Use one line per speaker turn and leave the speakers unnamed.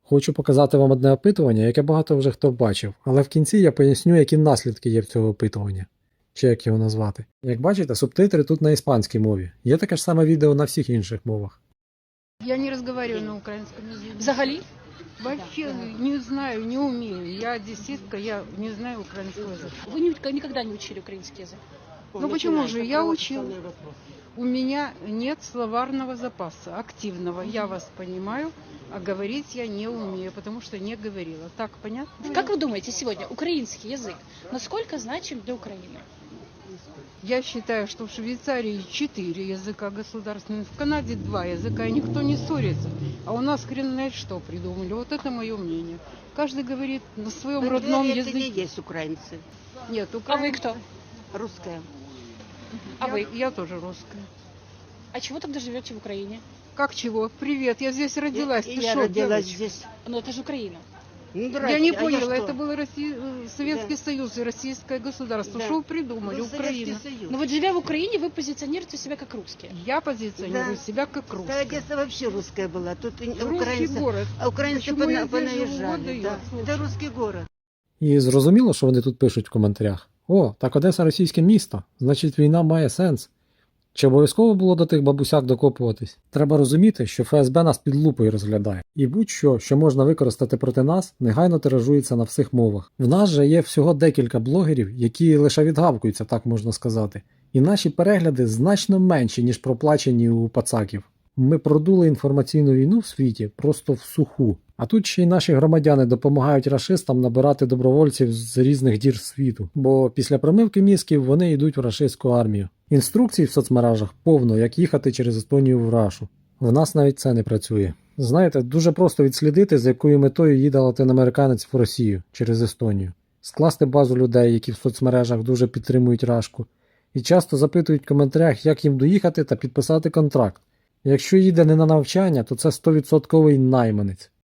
Хочу показати вам одне опитування, яке багато вже хто бачив, але в кінці я поясню, які наслідки є в цього опитування. Чи як його назвати. Як бачите, субтитри тут на іспанській мові. Є таке ж саме відео на всіх інших мовах.
Я не разговариваю на украинском языке.
Взагалі?
Вообще не знаю, не умею. Я одесситка, я не знаю украинского языка.
Вы никогда не учили украинский язык?
Ну почему же? Я учил. У меня нет словарного запаса активного. Я вас понимаю, а говорить я не умею, потому что не говорила. Так, понятно?
Как вы думаете сегодня, украинский язык насколько значим для Украины?
Я считаю, что в Швейцарии 4 языка государственных, в Канаде 2 языка, и никто не ссорится. А у нас хрен знает что придумали. Вот это мое мнение. Каждый говорит на своем родном
это
языке.
не есть украинцы.
Нет,
А
украинцы.
вы кто?
Русская.
А вы?
Я тоже русская.
А чего тогда живете в Украине?
Как чего? Привет, я здесь родилась.
И
Ты
я
шо,
родилась
девочка?
здесь.
Ну это же Украина.
Ну,
Я
здрасте,
не
а
поняла,
что?
это был Советский Союз и Российское государство.
Да.
Что вы придумали?
Был Советский
Украина.
Союз.
Но вот живя в Украине, вы позиционируете себя как русские.
Я позиционирую
Да.
себя как
Да,
русская.
Одесса вообще русская была. Тут и
Русский
украинцы,
город.
а украинцы
Почему я здесь живу,
понаезжали.
вот
Да.
я, слушай.
Это русский город.
І зрозуміло, що вони тут пишуть в коментарях. О, так Одеса російське місто, значить війна має сенс. Чи обов'язково було до тих бабусяк докопуватись? Треба розуміти, що ФСБ нас під лупою розглядає. І будь-що, що можна використати проти нас, негайно тиражується на всіх мовах. В нас же є всього декілька блогерів, які лише відгавкуються, так можна сказати. І наші перегляди значно менші, ніж проплачені у пацаків. Ми продули інформаційну війну в світі просто в суху. А тут ще й наші громадяни допомагають рашистам набирати добровольців з різних дір світу, бо після промивки мізків вони йдуть в рашистську армію. Інструкцій в соцмережах повно, як їхати через Естонію в Рашу. В нас навіть це не працює. Знаєте, дуже просто відслідити, з якою метою їде латиноамериканець в Росію через Естонію. Скласти базу людей, які в соцмережах дуже підтримують Рашку. І часто запитують в коментарях, як їм доїхати та підписати контракт. Якщо їде не на навчання, то це 100% найманець.